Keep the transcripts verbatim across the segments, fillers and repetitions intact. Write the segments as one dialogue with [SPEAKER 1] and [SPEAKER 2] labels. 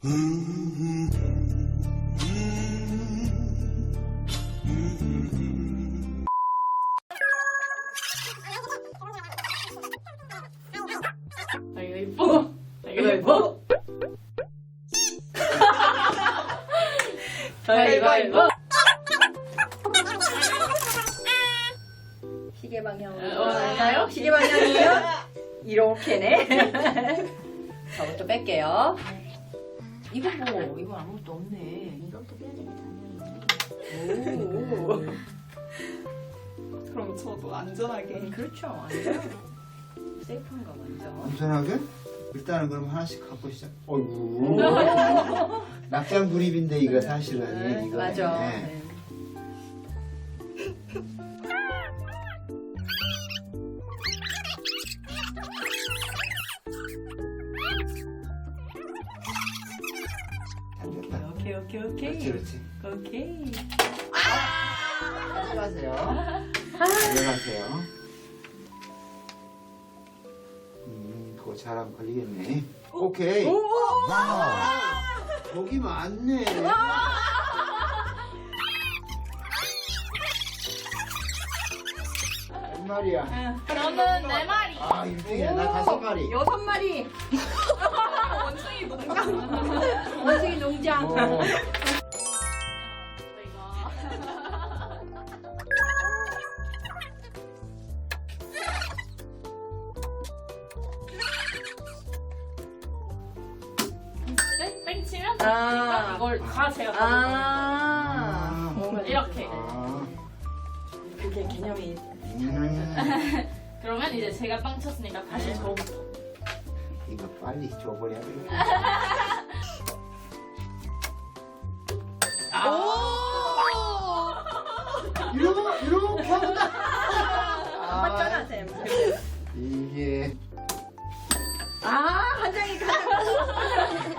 [SPEAKER 1] 가위바위보. 가위바위보. 가위바위보.
[SPEAKER 2] 시계 방향으로
[SPEAKER 1] 어, 맞아요?
[SPEAKER 2] 시계 방향이요? 이렇게네. 저부터 뺄게요. 이거 뭐 이거 아무것도 없네.
[SPEAKER 1] 이것도 빼야지 당연히.
[SPEAKER 2] 오.
[SPEAKER 3] 그럼 저도 안전하게.
[SPEAKER 2] 그렇죠. 완전 세이프한가 완전.
[SPEAKER 4] 안전하게? 일단은 그럼 하나씩 갖고 시작. 어이구. 낙장 불입인데 이거 사실은
[SPEAKER 2] 네,
[SPEAKER 4] 이거.
[SPEAKER 2] 맞아.
[SPEAKER 4] 네.
[SPEAKER 2] 네.
[SPEAKER 4] 잘 됐다.
[SPEAKER 2] 오케이 오케이 오케이.
[SPEAKER 4] 그렇지 그렇지.
[SPEAKER 2] 오케이.
[SPEAKER 4] 들어가세요. 들어가세요. 음, 그거 잘하면 걸리겠네. 오케이. 거기 많네. 몇 마리야?
[SPEAKER 1] 저는 네 마리.
[SPEAKER 4] 아, 일 등이야. 나 다섯 마리.
[SPEAKER 2] 여섯 마리.
[SPEAKER 3] 원숭이 농장.
[SPEAKER 2] 원숭이 농장.
[SPEAKER 4] 어.
[SPEAKER 1] 땡, 땡 치면
[SPEAKER 2] 아.
[SPEAKER 1] 이걸 다 제가 가져가는 거예요.
[SPEAKER 2] 아. 뭔가
[SPEAKER 1] 이렇게.
[SPEAKER 4] 아.
[SPEAKER 2] 그게 개념이.
[SPEAKER 4] 음.
[SPEAKER 1] 그러면 이제 제가 빵 쳤으니까 다시 저부터.
[SPEAKER 4] 이거 빨리 줘버려.
[SPEAKER 1] 아.
[SPEAKER 4] 이러고 이러고 한다.
[SPEAKER 2] 맞잖아 쌤.
[SPEAKER 4] 이게
[SPEAKER 2] 아, 한 장이 가장.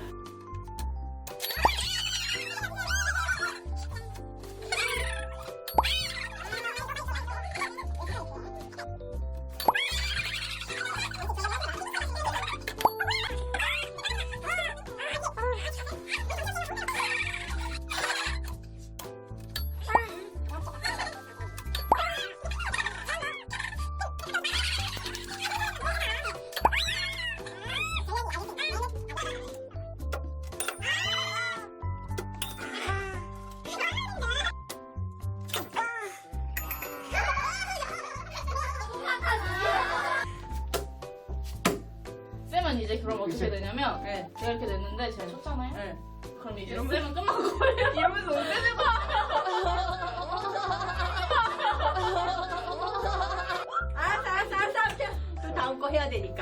[SPEAKER 1] 쌤은 이제 그럼 어떻게 되냐면
[SPEAKER 2] 네.
[SPEAKER 1] 제가 이렇게 됐는데 제가 쳤잖아요.
[SPEAKER 2] 네.
[SPEAKER 1] 그럼 이제 쌤은 끝난 거예요.
[SPEAKER 3] 이러면서 은퇴되고.
[SPEAKER 2] 알았어, 알았어, 알았어, 알았어. 또 다음 거 해야 되니까.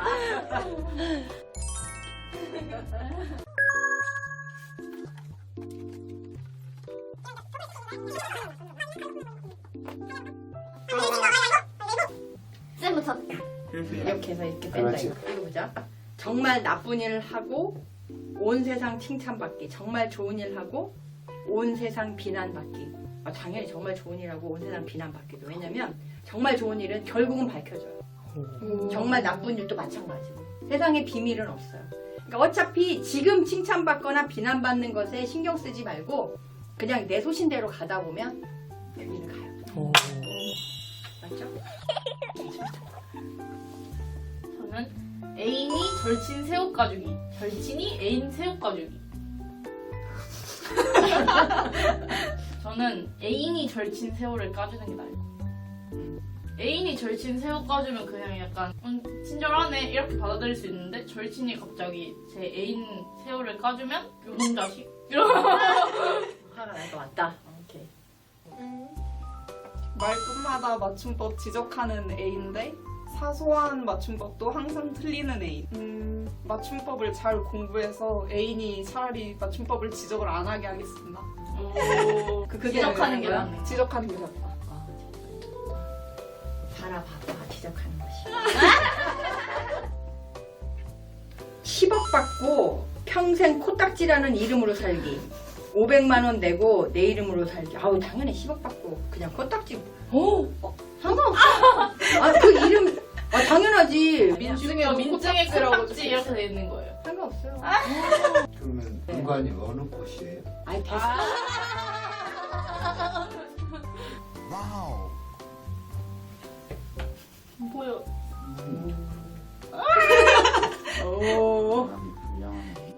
[SPEAKER 1] 쌤부터.
[SPEAKER 2] 이렇게 해서 이렇게 뺀다.
[SPEAKER 4] 그렇지.
[SPEAKER 2] 이거. 이거 보자. 정말 나쁜 일 하고 온 세상 칭찬받기. 정말 좋은 일 하고 온 세상 비난받기. 아, 당연히 정말 좋은 일 하고 온 세상 비난받기도. 왜냐면 정말 좋은 일은 결국은 밝혀져요. 정말 나쁜 일도 마찬가지고. 세상에 비밀은 없어요. 그러니까 어차피 지금 칭찬받거나 비난받는 것에 신경 쓰지 말고 그냥 내 소신대로 가다 보면 여기는 가요. 맞죠?
[SPEAKER 1] 저는 애인이 절친 새우 가주기. 절친이 애인 새우 가주기. 저는 애인이 절친 새우를 까주는 게 나아요. 애인이 절친 새우 까주면 그냥 약간 음, 친절하네 이렇게 받아들일 수 있는데 절친이 갑자기 제 애인 새우를 까주면 요놈 자식 이런.
[SPEAKER 2] 화가 날 것 같다. 오케이.
[SPEAKER 3] 말끝마다 맞춤법 지적하는 애인데 사소한 맞춤법도 항상 틀리는 애인. 음, 맞춤법을 잘 공부해서 애인이 차라리 맞춤법을 지적을 안 하게 하겠습니다.
[SPEAKER 1] 오,
[SPEAKER 2] 그- 그게
[SPEAKER 1] 지적하는 게
[SPEAKER 2] 뭐야?
[SPEAKER 1] 낫네.
[SPEAKER 3] 지적하는 게 낫다.
[SPEAKER 2] 아, 바라봐봐 지적하는 것이. 십억 받고 평생 코딱지라는 이름으로 살기. 오백만 원 내고 내 이름으로 살기. 아우 당연히 십억 받고 그냥 코딱지. 어? 어 상관없어. 아 그 이름 아 당연하지.
[SPEAKER 1] 민증이가 민증에 코딱지 이렇게 돼 있는 거예요.
[SPEAKER 2] 상관없어요.
[SPEAKER 4] 그러면 공간이 어느 곳이에요?
[SPEAKER 2] 아이 됐어.
[SPEAKER 1] 보여.
[SPEAKER 2] 오.
[SPEAKER 4] 사람이 불량하네.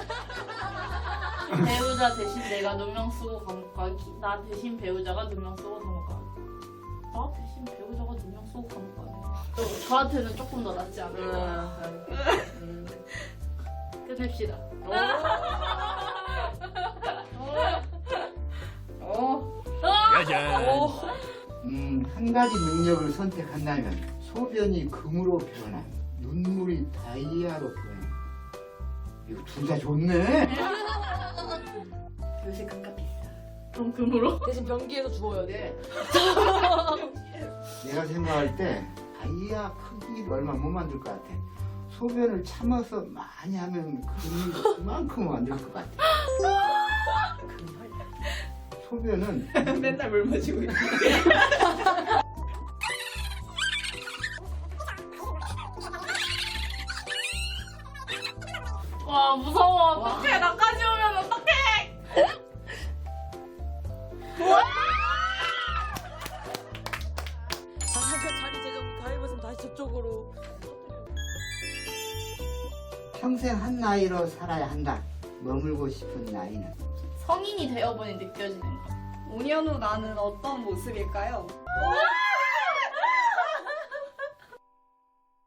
[SPEAKER 1] 배우자 대신 내가 누명 쓰고 감옥 가기. 나 대신 배우자가 누명 쓰고 감옥 가기. 나 대신 배우자가 누명 쓰고 감옥 가기. 저, 저한테는 조금 더 낫지 않을까.
[SPEAKER 2] 음.
[SPEAKER 1] 끝냅시다.
[SPEAKER 2] 어.
[SPEAKER 4] 음, 한 가지 능력을 선택한다면 소변이 금으로 변함, 눈물이 다이아로 변함. 이거 둘 다 좋네.
[SPEAKER 2] 요새 감값 비싸.
[SPEAKER 1] 그럼 금으로?
[SPEAKER 2] 대신 변기에서 주워야 돼.
[SPEAKER 4] 내가 생각할 때 다이아 크기를 얼마 못 만들 것 같아. 소변을 참아서 많이 하면 금이 그만큼 만들 것 같아. 소변은
[SPEAKER 3] 맨날 물 마시고 있어.
[SPEAKER 1] 와 무서워. 어떡해. 나까지 오면 어떡해.
[SPEAKER 5] 잠깐 자리 재정 가위바위보 다시 저쪽으로.
[SPEAKER 4] 평생 한 나이로 살아야 한다. 머물고 싶은 나이는?
[SPEAKER 1] 성인이 되어보니 느껴지는 거.
[SPEAKER 3] 오 년 후 나는 어떤 모습일까요?
[SPEAKER 1] 와!